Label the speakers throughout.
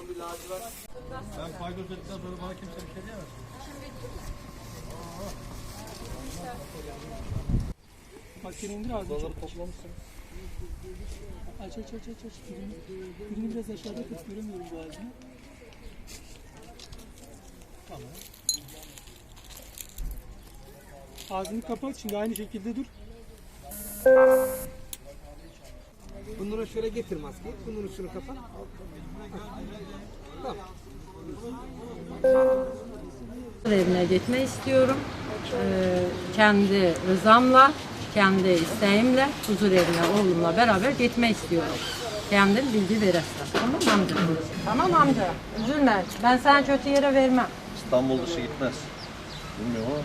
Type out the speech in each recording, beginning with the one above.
Speaker 1: Ben paydos ettikten sonra bana kimse bir şey diyemez.
Speaker 2: Makineyi indir ağzını.
Speaker 1: Odaları toplamışsın.
Speaker 2: Aç. Birini biraz aşağıda tut. Göremiyorum bu ağzını. Tamam. Ağzını kapat. Şimdi aynı şekilde dur.
Speaker 3: Bunları şöyle getir maskeyi. Bunun üstünü kapat. Tamam.
Speaker 4: Evine gitmek istiyorum. Kendi rızamla, kendi isteğimle huzur evine oğlumla beraber gitmek istiyorum. Kendim bilgi verirsen. Tamam amca? Tamam amca. Üzülme. Ben sana kötü yere vermem.
Speaker 1: İstanbul dışı gitmez. Bilmiyorum ama.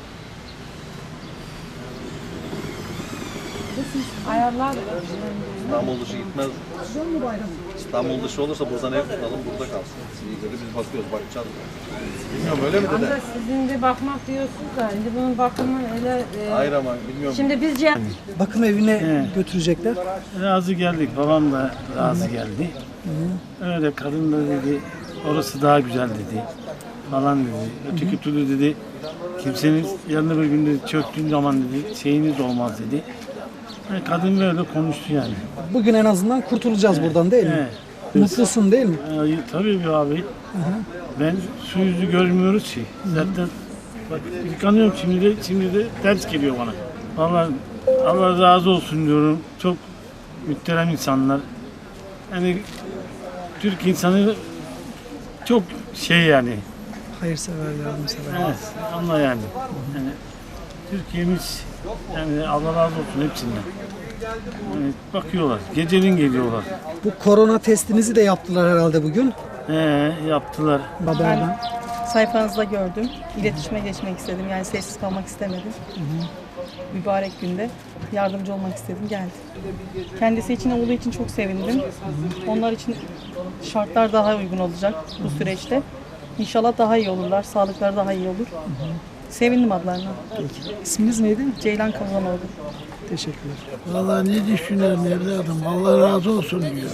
Speaker 4: Ayarlar.
Speaker 1: İstanbul dışı gitmez. İstanbul dışı olursa buradan ev tutalım, burada kalsın. Biz bakıyoruz, bakacağız. Bilmiyorum öyle mi dede?
Speaker 4: Amca sizin bir bakmak diyorsunuz da şimdi bunun bakımı öyle...
Speaker 1: Hayır ama bilmiyorum.
Speaker 4: Şimdi biz
Speaker 3: Bakım evine götürecekler.
Speaker 5: Razı geldik, babam da razı geldi. Öyle kadın da dedi, orası daha güzel dedi falan dedi. Öteki türlü dedi, kimsenin yanına bir gün dedi, çöktüğün zaman dedi, şeyiniz olmaz dedi. Yani kadın böyle konuştu yani.
Speaker 3: Bugün en azından kurtulacağız buradan değil mi?
Speaker 5: Evet.
Speaker 3: Mutlusun değil mi?
Speaker 5: Tabii bir abi. Ben su yüzü görmüyoruz ki. Zaten bak yıkanıyorum şimdi de ders geliyor bana. Vallahi Allah razı olsun diyorum. Çok müterem insanlar. Yani Türk insanı çok şey yani.
Speaker 3: Hayırsever, yardımsever.
Speaker 5: Evet, Allah yani. Yani Türkiye'miz yani Allah razı olsun hepsinden. Yani bakıyorlar, gecenin geliyorlar.
Speaker 3: Bu korona testinizi de yaptılar herhalde bugün.
Speaker 5: Yaptılar.
Speaker 3: Haberden.
Speaker 6: Sayfanızda gördüm. İletişime geçmek istedim. Yani sessiz kalmak istemedim. Mübarek günde yardımcı olmak istedim. Geldim. Kendisi için olduğu için çok sevindim. Onlar için şartlar daha uygun olacak bu süreçte. İnşallah daha iyi olurlar. Sağlıkları daha iyi olur. Sevindim adlarına.
Speaker 3: İsminiz neydi?
Speaker 6: Ceylan Kazanoğlu.
Speaker 3: Teşekkürler.
Speaker 7: Vallahi ne düşünüyorum evladım? Allah razı olsun diyor.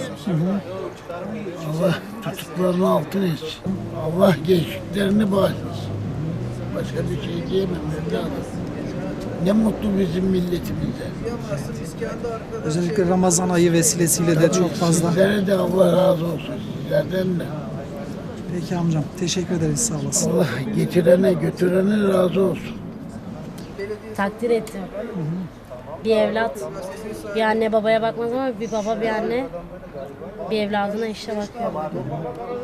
Speaker 7: Allah tutuklarını altın etsin. Allah gençliklerini bağışlasın. Başka bir şey diyemem evladım. Ne mutlu bizim milletimize.
Speaker 3: Özellikle Ramazan ayı vesilesiyle de çok fazla.
Speaker 7: Sizlere de Allah razı olsun. Sizlerden de.
Speaker 3: Peki amcam. Teşekkür ederiz. Sağ olasın.
Speaker 7: Allah getirene götürene razı olsun.
Speaker 8: Takdir ettim. Bir evlat, bir anne babaya bakmaz ama bir baba bir anne bir evladına işte bakıyor.